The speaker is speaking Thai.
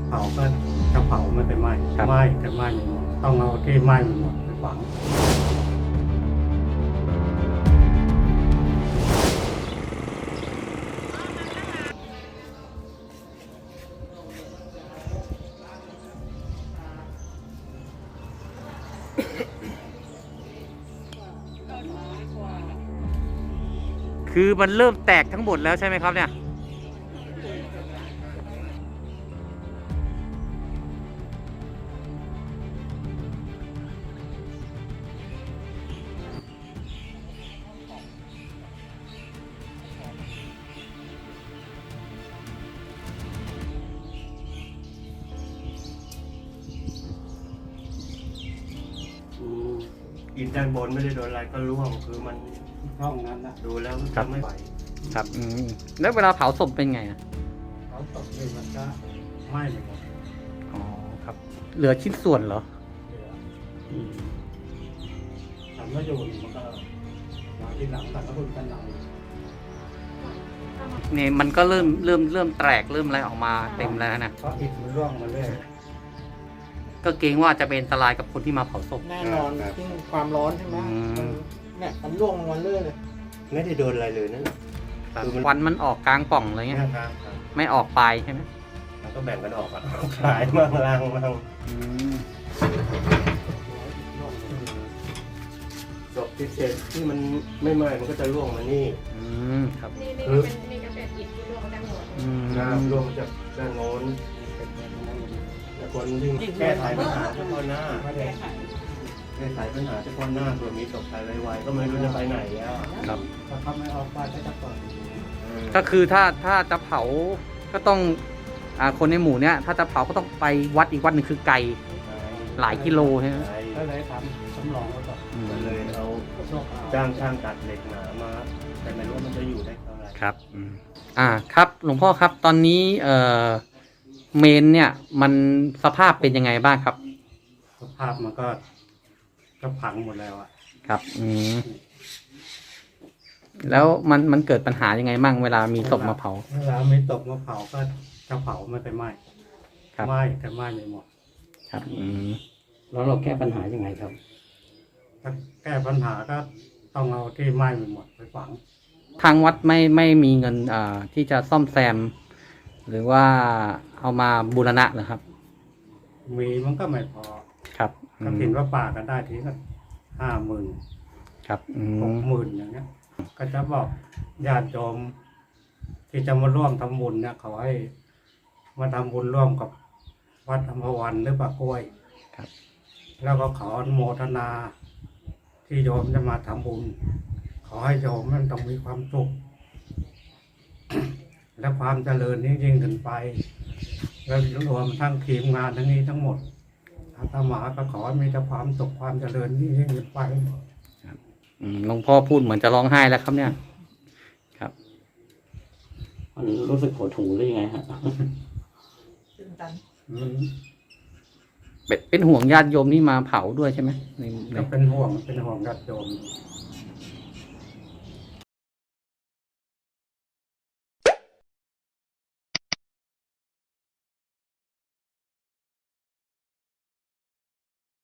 เผาก็จะเผาไม่ไปไหม้ครับไหม้แต่ไหม้ไม่หมดต้องเอาที่ไหม้ไม่หมดไปฝังคือมันเริ่มแตกทั้งหมดแล้วใช่ไหมครับเนี่ยอิฐด้านบนไม่ได้โดนอะไรก็ร่วงคือมันร่องนั้นนะดูแล้วมันจะไม่ไหวครับแล้วเวลาเผาศพเป็นไงอะเขาตกเลยมันก็ไหม้ไปหมดอ๋อครับ เหลือชิ้นส่วนเหรอเหลือทำแล้วอยู่มันก็มาที่หลังกันแล้วคุณกันหลังเนี่ยมันก็เริ่มแตกเริ่มอะไรออกมาเต็มแล้วนะเพราะอิฐมันร่วงมาเรื่อยก็เกรงว่าจะเป็นอันตรายกับคนที่มาเผาศพแน่นอนที่ความร้อนใช่ไหมอืมมันเนี่ยมันร่วงลงมาเรื่อยเลยไม่ได้โดนอะไรเลยนั่น คือมันควันมันออกกลางปล่องอะไรเงี้ยครับไม่ออกปลายใช่ไหมมันก็แบ่งกันออกอ่ะขายมั่งล่างมั่งศพที่เศษที่มันไม่ไหม้มันก็จะร่วงมานี่ครับนี่มีกระเศษอิฐที่ร่วงมาจากหัวน้ำร่วงมาจากด้านโน้นแต่คนที่แก้ไขปัญหาเฉพาะหน้าไม่ได้แก้ไขปัญหาเฉพาะหน้าเผื่อมีศพตายไวๆก็ไม่รู้จะไปไหนแล้วอะครับถ้าเขาไม่ออกไปก็จะเปิดก็คือถ้าจะเผาก็ต้องคนในหมู่เนี้ยถ้าจะเผาก็ต้องไปวัดอีกวัดหนึ่งคือไกลหลายกิโลใช่ไหมก็เลยทำสำรองไว้ก่อนก็เลยเอาโชคเอาจ้างช่างตัดเหล็กหนามา แต่ไม่รู้ว่ามันจะอยู่ได้เท่าไหร่ครับครับหลวงพ่อครับตอนนี้เมนเนี่ยมันสภาพเป็นยังไงบ้างครับสภาพมันก็พังหมดแล้วอ่ะครับแล้วมันเกิดปัญหายังไงบ้างเวลามีศพมาเผาเวลาไม่ตกมาเผาก็จะเผาไม่ไปไหม้ครับไหม้แต่ไหม้ไม่หมดครับแล้วเราแก้ปัญหายังไงครับถ้าแก้ปัญหาก็ต้องเอาที่ไหม้ไปหมดไปฝังทางวัดไม่มีเงินที่จะซ่อมแซม หรือว่าเอามาบูรณะเหรอครับมีมันก็ไม่พอครับก็ถินว่าป่ากันได้ทีก็50,000 ครับ 60,000อย่างเงี้ย ก็จะบอกญาติโยมที่จะมาร่วมทำบุญเนี่ยเขาให้มาทำบุญร่วมกับวัดอัมพวันหรือปากกล้วยครับแล้วก็ขออนุโมทนา ที่โยมจะมาทำบุญ ขอให้โยมมันต้องมีความสุข และความเจริญนี้ยิ่งขึ้นไป แล้วรวมทั้งทีมงานทั้งนี้ทั้งหมดอาตมาก็ขอให้มีแต่ความสุขความเจริญนี้ยิ่งขึ้นไปหลวงพ่อพูดเหมือนจะร้องไห้แล้วครับเนี่ย ครับมันรู้สึกหดหู่หรือยังไงฮะตื่นตันมันเป็นห่วงญาติโยมที่มาเผาด้วยใช่ไหมในก็เป็นห่วงญาติโยม